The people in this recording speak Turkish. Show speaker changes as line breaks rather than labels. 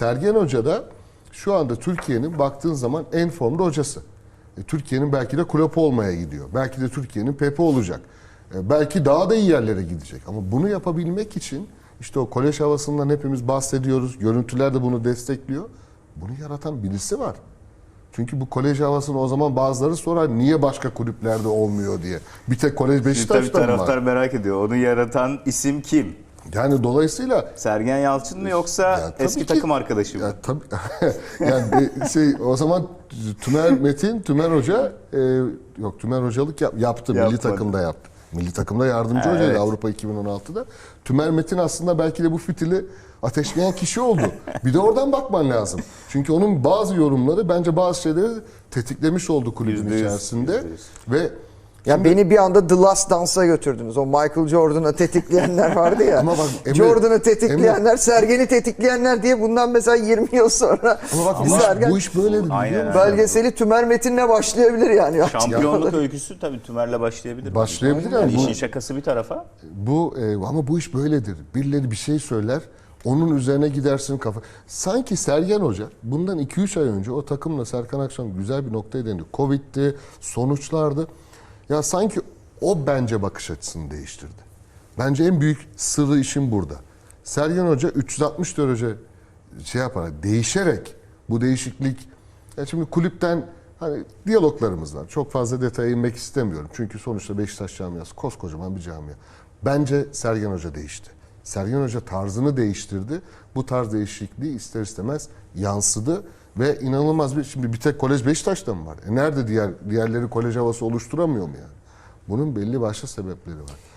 Sergen Hoca da şu anda Türkiye'nin baktığın zaman en formda hocası. Türkiye'nin belki de Klopp olmaya gidiyor. Belki de Türkiye'nin Pepe olacak. Belki daha da iyi yerlere gidecek. Ama bunu yapabilmek için işte o kolej havasından hepimiz bahsediyoruz. Görüntüler de bunu destekliyor. Bunu yaratan birisi var. Çünkü bu kolej havasını o zaman bazıları sorar niye başka kulüplerde olmuyor diye. Bir tek kolej Beşiktaş'ta mı var?
Taraftar merak ediyor. Onu yaratan isim kim?
Yani dolayısıyla
Sergen Yalçın mı yoksa
ya,
eski
ki,
takım arkadaşı mı?
Ya, tabii, yani o zaman Tümer Hoca yok Tümer hocalık yaptı. Milli takımda yaptı. Milli takımda yardımcı hocaydı
evet.
Avrupa 2016'da. Tümer Metin aslında belki de bu fitili ateşleyen kişi oldu. Bir de oradan bakman lazım. Çünkü onun bazı yorumları bence bazı şeyleri tetiklemiş oldu kulübün
%100,
içerisinde.
%100.
Ve
Ya beni bir anda The Last Dance'a götürdünüz. O Michael Jordan'ı tetikleyenler vardı ya.
Ama bak,
Jordan'ı tetikleyenler, Sergen'i tetikleyenler diye bundan mesela 20 yıl sonra
ama bak
bir Sergen
bu iş böyle biliyor
Aynen.
musun?
belgeseli Tümer Metin'le başlayabilir yani.
Şampiyonluk öyküsü tabii Tümer'le başlayabilir.
Başlayabilir
yani.
yani.
İşin şakası bir tarafa.
Ama bu iş böyledir. Birileri bir şey söyler, onun üzerine gidersin kafa. Sanki Sergen Hoca bundan 2-3 ay önce o takımla Serkan Akşam güzel bir noktaya değindi. Covid'di, sonuçlardı. Ya sanki o bence bakış açısını değiştirdi. Bence en büyük sırrı işin burada. Sergen Hoca 360 derece değişerek bu değişiklik. Ya şimdi kulüpten hani diyaloglarımız var. Çok fazla detaya inmek istemiyorum. Çünkü sonuçta Beşiktaş camiası koskocaman bir camia. Bence Sergen Hoca değişti. Sergen Hoca tarzını değiştirdi. Bu tarz değişikliği ister istemez yansıdı ve inanılmaz şimdi bir tek kolej Beşiktaş'ta mı var? Nerede diğerleri kolej havası oluşturamıyor mu yani? Bunun belli başlı sebepleri var.